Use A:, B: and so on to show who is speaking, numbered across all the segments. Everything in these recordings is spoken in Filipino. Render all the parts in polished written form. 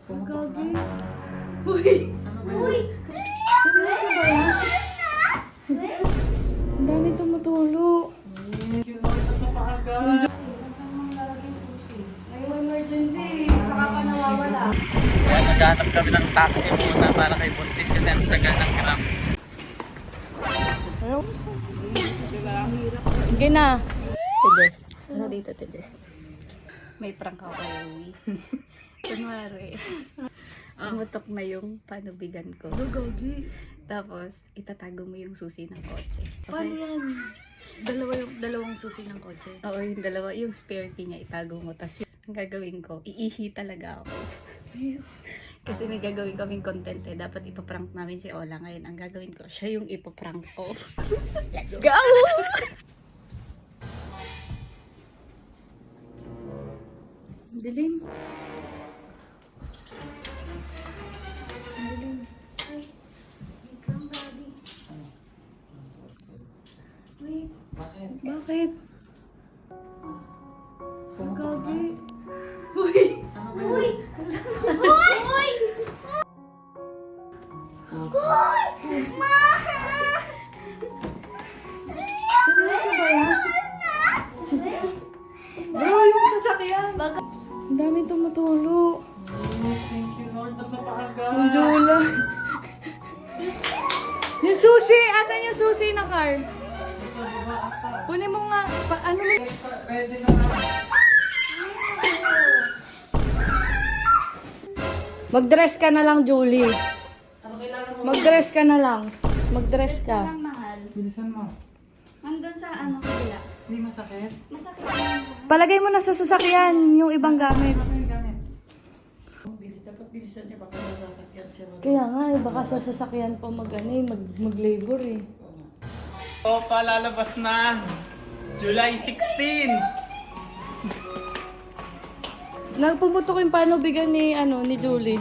A: Gagi. Uy! Uy! Seryoso ba yan? Ang dami tumutulo. May emergency. Saka pa nawawala.
B: Kaya naghahanap kami ng taxi muna para kay Buntis kasi ang tagal ng Grab.
A: Sige na.
C: Tedes. Ano dito, Tedes? May prank ako kay Uwi. Kunwari, umutok na yung panubigan ko.
A: Gagi.
C: Tapos, itatago mo yung susi ng kotse.
A: Paano yan? Dalawang susi ng kotse.
C: Oo, yung dalawa, yung spare key niya, itago mo. Tapos, ang gagawin ko, iihi talaga ako. Kasi may gagawin kaming content eh. Dapat ipaprank namin si Ola. Ngayon, ang gagawin ko, siya yung ipaprank ko. Let's go! Dilim. Dilim. Ay, wait lang, Daddy. Wait.
A: Bakit? Gagi. Uy! Uy! Uy! Seryoso ba yan? Bro, yung sasakyan. Ang dami tumutulo.
B: Yes, thank you Lord. At napakaga.
A: Ang jula. Yung susi! Asan yung susi na car? Kunin mo nga. Ano mo?
B: Ready na lang.
A: Mag-dress ka na lang, Julie.
B: Ano kailangan mo?
A: Mag-dress ka na lang. Mag-dress ka.
D: Lang mahal.
B: Bilisan mo.
D: Nandun sa ano kabila.
B: Hindi masakit.
D: Masakit lang.
A: Palagay mo na sa sasakyan yung ibang gamit.
B: Ano yung gamit? Dapat bilisan niya baka nasasakyan siya.
A: Kaya nga, baka sa sasakyan pa mag-labor eh.
B: O, palalabas na. July 16.
A: Nagpumutok yung panubigan ni Julie.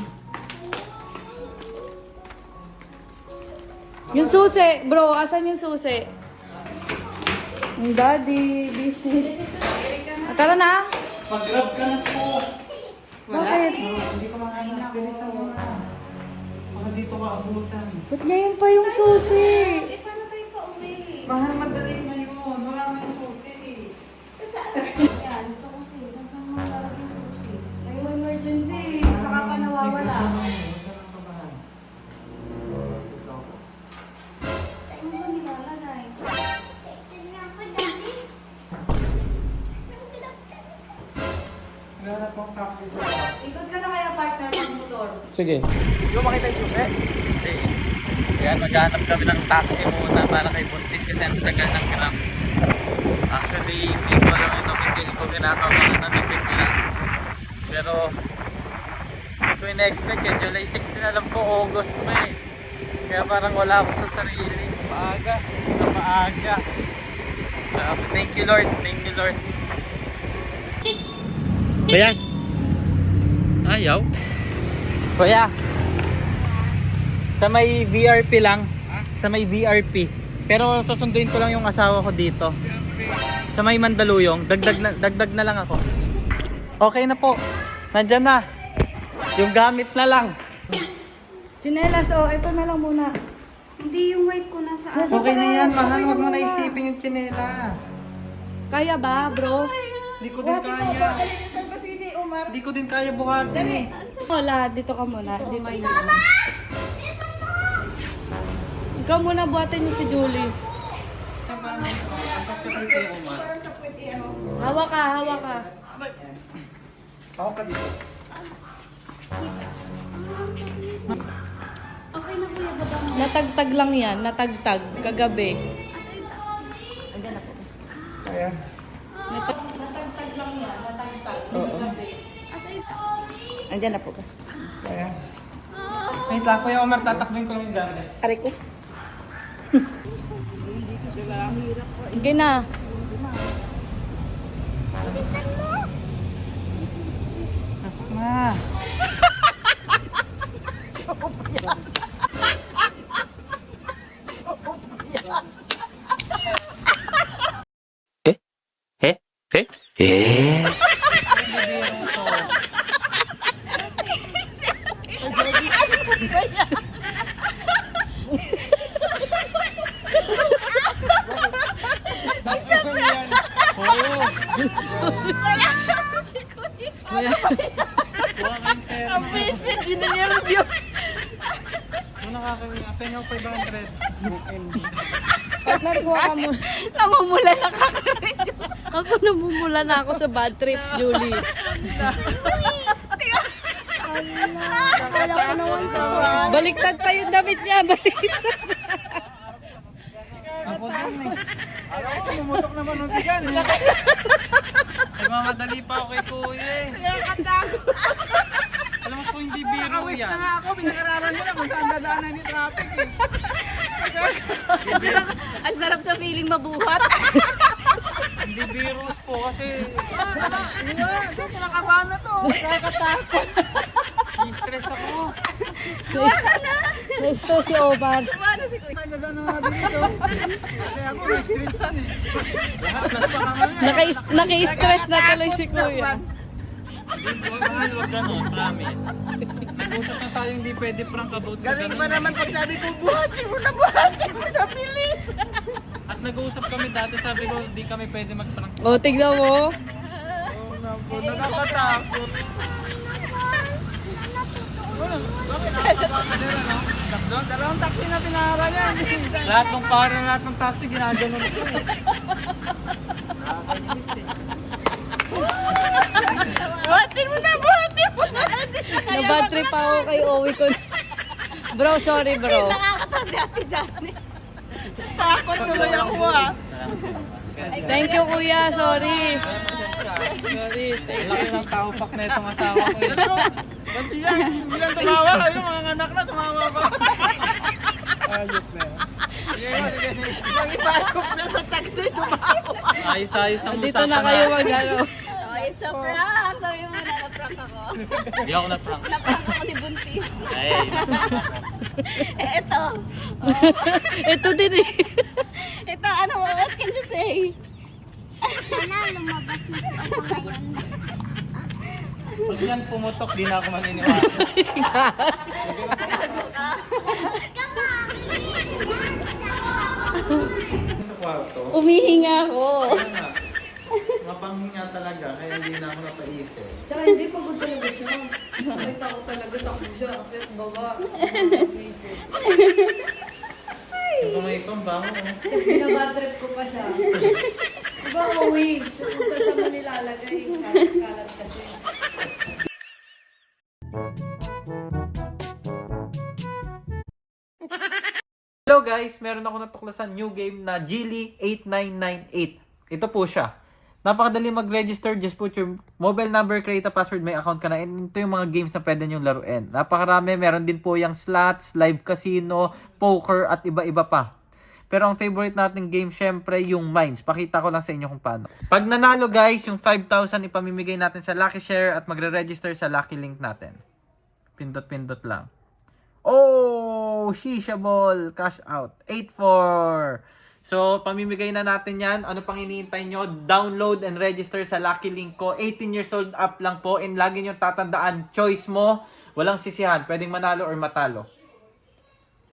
A: Yung susi, bro, asan yung susi? Ang daddy, busy. Tara na.
B: Pag-grab ka na po.
A: Bakit?
B: Hindi ko makahanap. Bilisan mo na. Baka dito ka abutan.
A: Ba't ngayon pa yung susi?
D: Eh, paano tayo pa uwi?
B: Mahal, madali na yun. Wala na yung susi.
D: Saan? Yan, ito kasi. Saan mo lalagay yung susi?
A: May emergency. Saka pa nawawala.
D: Saan mo ba nilalagay?
B: Wala na pong taxi sa labas.
A: Ikot ka na kaya partner ng motor.
B: Sige. Hindi ko makita yung susi. Hindi. Kaya maghanap kami ng taxi muna para kay Buntis kasi ang tagal ng Grab. Actually, hindi ko alam ito hindi ko ginagawa na bigla. Pero hindi ko in-expect eh. July 16 alam ko August pa eh. Kaya parang wala ako sa sarili. Maaga. Na maaga. Thank you Lord. Thank you Lord. Kuya. Ayaw. Kuya. Sa may VRP lang. Sa may VRP. Pero susunduin ko lang yung asawa ko dito. Sa may Mandaluyong. Dagdag na lang ako. Okay na po. Nandyan na. Yung gamit na lang.
A: Chinelas, ito na lang muna.
D: Hindi yung white ko nasa ano.
B: Okay na yan, mahal. Huwag mo na isipin yung tsinelas.
A: Kaya ba, bro?
B: Hindi ko din kaya. Hindi ko din kaya buhatin.
A: Wala, dito ka muna. Dito ka. Ikaw muna buhatin niyo si Julie. Hawa ka, hawa ka.
B: Ako ka dito.
D: Okay na kuya, baba mo.
A: Natagtag lang yan, natagtag, kagabi.
B: Kaya.
A: Natagtag lang yan, natagtag, kagabi.
C: Andiyan na po ka.
B: Kaya. Wait lang, Kuya Omar, tatakbin ko lang yung gamit.
C: Aray ko.
A: Sige na.
B: Pasok na. Kuha kayong pera.
A: Ang visit, di na nervyo.
B: Kung nakakawin, pengaw 500.
A: Partner, kuha ka mo. Namumula na ka rin. Ako namumula na ako sa bad trip, Julie.
D: Akala ko naman to.
A: Baliktad pa yung damit niya. Baliktad.
B: Ako din eh. Alam ko, mumutok naman ng bigan. Nagmamadali pa ako kay kuya eh. Alam mo po, hindi biro yan.
E: Ako, pinag-aralan mo na kung saan dadaanan ni traffic eh.
C: Ang sarap sa feeling mabuhat.
B: Hindi biros po kasi
E: Ito, pinakabahan na to. Nakakatakot.
B: stress ako.
A: Gusto si Omar.
E: Saan dadaan ng mga bilis oh. Kaya ako, na-stress na eh. Lahat, plus pa naman eh.
A: Naki-stress na tuloy si Kuya.
B: Mahal, wag ganun, promise. Nag-usap na tayo, hindi pwede prank about sa
E: Galing
B: ganun.
E: pa naman pag sabi ko, buhatin mo na, buhatin mo na, bilis.
B: At nag-uusap kami dati, sabi ko, hindi kami pwede mag-prank.
A: O, tignan mo.
E: Oo nga po, nakakatakot. Bakit nakakaba ka nila, no? Dalawang taxi na pinara yan.
B: Lahat ng para, lahat ng taxi, ginaganon ko.
A: Buhatin mo na. Na-bad trip ako kay Owi ko. Bro, sorry bro.
C: Nakakatawa si Ate Janet.
E: Takot tuloy ako ah.
A: Thank you, Kuya. Sorry. Sorry.
B: Ang laki ng taupak na itong asawa ko.
E: Ba't yan? Bilang tumawa kayo, mga anak na tumawa ba?
B: Ayot na yan.
E: Nang ipasok na sa taxi, tumawa.
B: Ayos-ayos ang
A: Dito na kayo mag-ano.
C: Oh, it's a prank. Sabi mo na na-prank ako.
B: Hindi ako na-prank.
C: Na-prank ako ni Buntis.
B: Ay,
C: Ito.
A: Ito din eh.
C: Ito, ano, what can you say?
D: Sana lumabas na po ako ngayon.
B: pag yan pumutok, di na ako maniniwala. Sa kwarto,
A: Umihinga ako.
B: mapanghinga talaga, kaya hindi na ako napaisip.
A: Tsaka hindi pagod talaga siya. Nakita ko talaga takbo siya. Akyat baba.
B: Yung kamay ko, ang bango.
A: Tapos binabad trip ko pa siya. Diba, Owi? Saan mo nilalagay? Kalat kasi.
B: Hello guys! Meron ako natuklasan new game na Geely 8998. Ito po siya. Napakadali mag-register. Just put your mobile number, create a password, may account ka na. And ito yung mga games na pwede nyong laruin. Napakarami. Meron din po yung slots, live casino, poker, at iba-iba pa. Pero ang favorite nating game, syempre, yung Mines. Pakita ko lang sa inyo kung paano. Pag nanalo guys, yung 5,000 ipamimigay natin sa Lucky Share at magre-register sa Lucky Link natin. Pindot-pindot lang. Oh! Shisha ball! Cash out. 8-4! So, pamimigay na natin yan. Ano pang hinihintay nyo? Download and register sa Lucky Link ko. 18 years old up lang po. And lagi nyo tatandaan, choice mo. Walang sisihan. Pwedeng manalo or matalo.